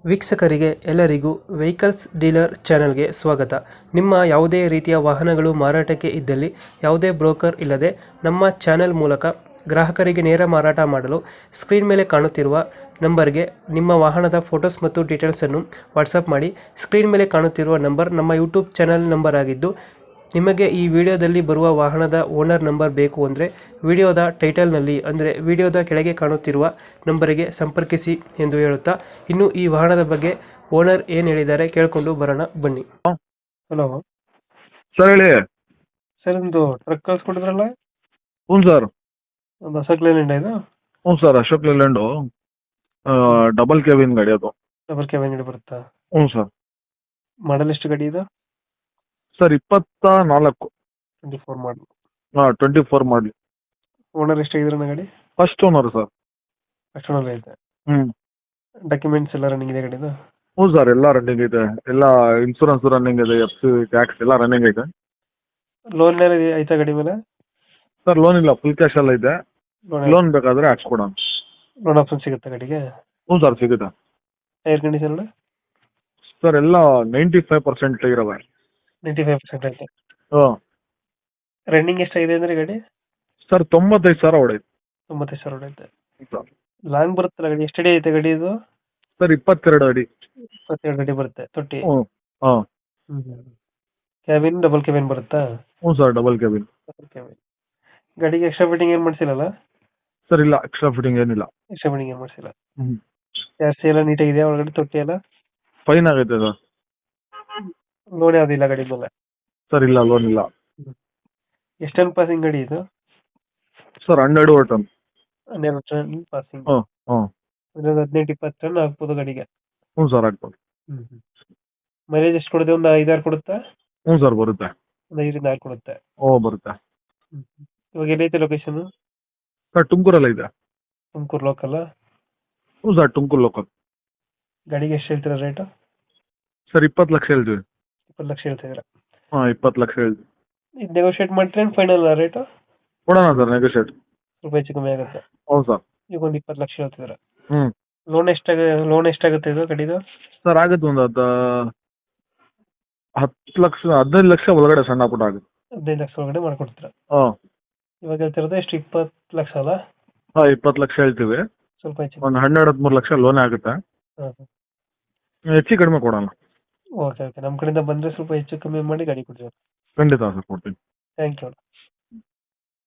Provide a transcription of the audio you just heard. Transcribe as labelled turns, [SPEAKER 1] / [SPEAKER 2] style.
[SPEAKER 1] ವೀಕ್ಷಕರಿಗೆ ಎಲ್ಲರಿಗೂ vehicles dealer ಚಾನೆಲ್ಗೆ ಸ್ವಾಗತ. ನಿಮ್ಮ ಯಾವುದೇ ರೀತಿಯ ವಾಹನಗಳು ಮಾರಾಟಕ್ಕೆ ಇದ್ದಲ್ಲಿ ಯಾವುದೇ ಬ್ರೋಕರ್ ಇಲ್ಲದೆ ನಮ್ಮ ಚಾನೆಲ್ ಮೂಲಕ ಗ್ರಾಹಕರಿಗೆ ನೇರ ಮಾರಾಟ ಮಾಡಲು ಸ್ಕ್ರೀನ್ ಮೇಲೆ ಕಾಣುತ್ತಿರುವ ನಂಬರ್ಗೆ ನಿಮ್ಮ ವಾಹನದ ಫೋಟೋಸ್ ಮತ್ತು ಡೀಟೇಲ್ಸನ್ನು ವಾಟ್ಸಪ್ ಮಾಡಿ. ಸ್ಕ್ರೀನ್ ಮೇಲೆ ಕಾಣುತ್ತಿರುವ ನಂಬರ್ ನಮ್ಮ ಯೂಟ್ಯೂಬ್ ಚಾನೆಲ್ ನಂಬರ್ ಆಗಿದ್ದು, ನಿಮಗೆ ಈ ವಿಡಿಯೋದಲ್ಲಿ ಬರುವ ವಾಹನದ ಓನರ್ ನಂಬರ್ ಬೇಕು ಅಂದರೆ ವಿಡಿಯೋದ ಟೈಟಲ್ನಲ್ಲಿ ಅಂದರೆ ವಿಡಿಯೋದ ಕೆಳಗೆ ಕಾಣುತ್ತಿರುವ ನಂಬರಿಗೆ ಸಂಪರ್ಕಿಸಿ ಎಂದು ಹೇಳುತ್ತಾ, ಇನ್ನು ಈ ವಾಹನದ ಬಗ್ಗೆ ಓನರ್ ಏನು ಹೇಳಿದ್ದಾರೆ ಕೇಳಿಕೊಂಡು ಬರೋಣ ಬನ್ನಿ. ಹಲೋ
[SPEAKER 2] ಸರ್ ಹೇಳಿ.
[SPEAKER 1] ಸರ್, ಒಂದು ಟ್ರಕ್ ಕಳ್ಸ್ಕೊಟ್ಟಿದ್ರಲ್ಲ,
[SPEAKER 2] ಹ್ಞೂ ಸರ್.
[SPEAKER 1] ಒಂದು ಹೊಸ ಕ್ಲೈಂಟ್ ಇದು.
[SPEAKER 2] ಹ್ಞೂ sir, Ashok Leyland double cabin ಗಾಡಿ ಅದು.
[SPEAKER 1] ಡಬಲ್ ಕ್ಯಾಬಿನ್ ಗಾಡಿ ಬರುತ್ತಾ?
[SPEAKER 2] ಹ್ಞೂ ಸರ್.
[SPEAKER 1] ಮಾಡಲ್ ಎಷ್ಟು ಗಾಡಿ ಇದು?
[SPEAKER 2] ಸರ್ 24.
[SPEAKER 1] 24 ಮಾಡಲ್.
[SPEAKER 2] 24 ಮಾಡಲಿ.
[SPEAKER 1] ಓನರ್ ಎಷ್ಟಾಗಿದ್ರೆ ಗಾಡಿ?
[SPEAKER 2] First owner sir.
[SPEAKER 1] ಅಷ್ಟು ಓನರ್ ಐತೆ.
[SPEAKER 2] ಹ್ಞೂ.
[SPEAKER 1] ಡಾಕ್ಯುಮೆಂಟ್ಸ್ ಎಲ್ಲ ರನ್ನಿಂಗ್ ಇದೆ ಗಾಡಿದು?
[SPEAKER 2] ಹ್ಞೂ ಸರ್, ಎಲ್ಲ ರನ್ನಿಂಗ್ ಇದೆ. ಎಲ್ಲ ಇನ್ಶೂರೆನ್ಸ್ ರನ್ನಿಂಗ್ ಇದೆ, FC ಟ್ಯಾಕ್ಸ್ ಎಲ್ಲ ರನ್ನಿಂಗ್ ಇದೆ.
[SPEAKER 1] ಲೋನ್ ಎಲ್ಲ ಐತಾ ಗಾಡಿ ಮೇಲೆ?
[SPEAKER 2] ಸರ್ ಲೋನ್ ಇಲ್ಲ, ಫುಲ್ ಕ್ಯಾಶ್ ಎಲ್ಲ ಇದೆ. ಲೋನ್ ಬೇಕಾದರೆ ಹಾಕ್ಸ್ಕೊಡೋಣ.
[SPEAKER 1] ಲೋನ್ ಆಪ್ಷನ್ ಸಿಗುತ್ತೆ ಗಾಡಿಗೆ?
[SPEAKER 2] ಹ್ಞೂ ಸರ್, ಸಿಗುತ್ತೆ.
[SPEAKER 1] ಟೈರ್ ಕಂಡೀಷನ್
[SPEAKER 2] ಸರ್ ಎಲ್ಲ 95% ಇರವೆ.
[SPEAKER 1] 95% ಐತೆ.
[SPEAKER 2] ಹಾಂ.
[SPEAKER 1] ರನ್ನಿಂಗ್ ಎಷ್ಟಾಗಿದೆ ಅಂದ್ರೆ ಗಾಡಿ?
[SPEAKER 2] ಸರ್ 95,000 ಹೊಡೈತೆ.
[SPEAKER 1] 95,000 ಹೊಡೈತೆ.
[SPEAKER 2] ಸರ್
[SPEAKER 1] ಲಾಂಗ್ ಬರುತ್ತಲ್ಲ ಗಾಡಿ, ಎಷ್ಟು ಅಡಿ ಐತೆ ಗಾಡಿ ಇದು?
[SPEAKER 2] ಸರ್ 22 ಅಡಿ.
[SPEAKER 1] 22 ಅಡಿ ಬರುತ್ತೆ ತೊಟ್ಟಿ.
[SPEAKER 2] ಹ್ಞೂ. ಹಾಂ.
[SPEAKER 1] ಕ್ಯಾಬಿನ್ ಡಬಲ್ ಕ್ಯಾಬಿನ್ ಬರುತ್ತಾ?
[SPEAKER 2] ಹ್ಞೂ sir, double cabin.
[SPEAKER 1] Double cabin. ಗಾಡಿಗೆ ಎಕ್ಸ್ಟ್ರಾ ಫಿಟ್ಟಿಂಗ್ ಏನು ಮಾಡಿಸಿಲ್ಲ?
[SPEAKER 2] ಸರ್ ಇಲ್ಲ, ಎಕ್ಸ್ಟ್ರಾ ಫಿಟ್ಟಿಂಗ್ ಏನಿಲ್ಲ.
[SPEAKER 1] ಎಕ್ಸ್ಟ್ರಾ ಫಿಟ್ಟಿಂಗ್ ಏನು ಮಾಡಿಸಿಲ್ಲ.
[SPEAKER 2] ಹ್ಞೂ.
[SPEAKER 1] ಜಾಸ್ತಿ ಎಲ್ಲ ನೀಟಾಗಿದೆ ಒಳಗಡೆ, ತೊಟ್ಟಿ ಎಲ್ಲ?
[SPEAKER 2] ಫೈನ್ ಆಗೈತೆ ಸರ್.
[SPEAKER 1] ಲೋನ್ ಯಾವುದಿಲ್ಲ ಗಾಡಿ ಮೇಲೆ?
[SPEAKER 2] ಸರ್ ಇಲ್ಲ, ಲೋನ್ ಇಲ್ಲ.
[SPEAKER 1] ಎಷ್ಟು ಟನ್ ಪಾಸಿಂಗ್ ಗಾಡಿ ಇದು?
[SPEAKER 2] Sir 12 ton.
[SPEAKER 1] 12 ton passing.
[SPEAKER 2] ಹ್ಞೂ. ಹ್ಞೂ.
[SPEAKER 1] ಒಂದು 18-20 ಟನ್ ಆಗ್ಬೋದು ಗಾಡಿಗೆ.
[SPEAKER 2] ಹ್ಞೂ ಸರ್, ಆಗ್ಬೋದು.
[SPEAKER 1] ಮೈಲೇಜ್ ಎಷ್ಟು ಕೊಡುತ್ತೆ? ಒಂದು 5-6 ಕೊಡುತ್ತಾ?
[SPEAKER 2] ಹ್ಞೂ ಸರ್, ಬರುತ್ತೆ.
[SPEAKER 1] ಒಂದು 5-6 ಕೊಡುತ್ತೆ.
[SPEAKER 2] ಓ, ಬರುತ್ತೆ.
[SPEAKER 1] ಇವಾಗ ಎಲ್ಲೈತೆ ಲೊಕೇಶನ್?
[SPEAKER 2] ಸರ್ ತುಮಕೂರಲ್ಲ ಇದೆ.
[SPEAKER 1] ತುಮಕೂರು ಲೋಕಲ್?
[SPEAKER 2] ಹ್ಞೂ ಸರ್, ತುಮಕೂರು ಲೋಕಲ್.
[SPEAKER 1] ಗಾಡಿಗೆ ಎಷ್ಟು ಹೇಳ್ತೀರಾ ರೇಟು?
[SPEAKER 2] ಸರ್ 20 ಲಕ್ಷ ಹೇಳ್ತೀವಿ.
[SPEAKER 1] 20 ಲಕ್ಷ ಹೇಳ್ತಿದ್ದೀರಾ?
[SPEAKER 2] ಹಾಂ, 20 ಲಕ್ಷ ಹೇಳ್ತೀವಿ.
[SPEAKER 1] ಇದು ನೆಗೋಷಿಯೇಟ್ ಮಾಡ್ತೀರಾ ಫೈನಲ್ ರೇಟು?
[SPEAKER 2] ಕೊಡೋಣ ಸರ್, ನೆಗೋಷಿಯೇಟ್.
[SPEAKER 1] ಸ್ವಲ್ಪ ಹೆಚ್ಚು ಕಮ್ಮಿ ಆಗುತ್ತೆ.
[SPEAKER 2] ಹೌದು ಸರ್.
[SPEAKER 1] ಈಗ ಒಂದು 20 ಲಕ್ಷ ಹೇಳ್ತಿದ್ದೀರಾ?
[SPEAKER 2] ಹ್ಞೂ.
[SPEAKER 1] ಲೋನ್ ಎಷ್ಟಾಗುತ್ತೆ ಇದು ಗಾಡಿದು?
[SPEAKER 2] ಸರ್ ಆಗುತ್ತೆ ಒಂದು 10 ಲಕ್ಷ 15 ಲಕ್ಷ ಒಳಗಡೆ ಸಣ್ಣ ಪುಟ್ಟ ಆಗುತ್ತೆ.
[SPEAKER 1] 15 ಲಕ್ಷ ಒಳಗಡೆ ಮಾಡ್ಕೊಡ್ತೀರಾ?
[SPEAKER 2] ಹಾಂ.
[SPEAKER 1] ಇವಾಗ ಹೇಳ್ತಿರೋದು ಎಷ್ಟು? 20 ಲಕ್ಷ ಅಲ್ಲ?
[SPEAKER 2] ಹಾಂ, 20 ಲಕ್ಷ ಹೇಳ್ತೀವಿ.
[SPEAKER 1] ಸ್ವಲ್ಪ ಹೆಚ್ಚು.
[SPEAKER 2] ಒಂದು 12-13 ಲಕ್ಷ ಲೋನ್ ಆಗುತ್ತೆ. ಹೆಚ್ಚು ಕಡಿಮೆ ಕೊಡೋಣ.
[SPEAKER 1] ಓಕೆ ಓಕೆ, ನಮ್ಮ ಕಡೆಯಿಂದ ಬಂದರೆ ಸ್ವಲ್ಪ ಹೆಚ್ಚು ಕಮ್ಮಿ ಮಾಡಿ ಗಾಡಿ ಕೊಡ್ತೀವಿ.
[SPEAKER 2] ಖಂಡಿತ ಸರ್, ಕೊಡ್ತೀನಿ.
[SPEAKER 1] Thank you.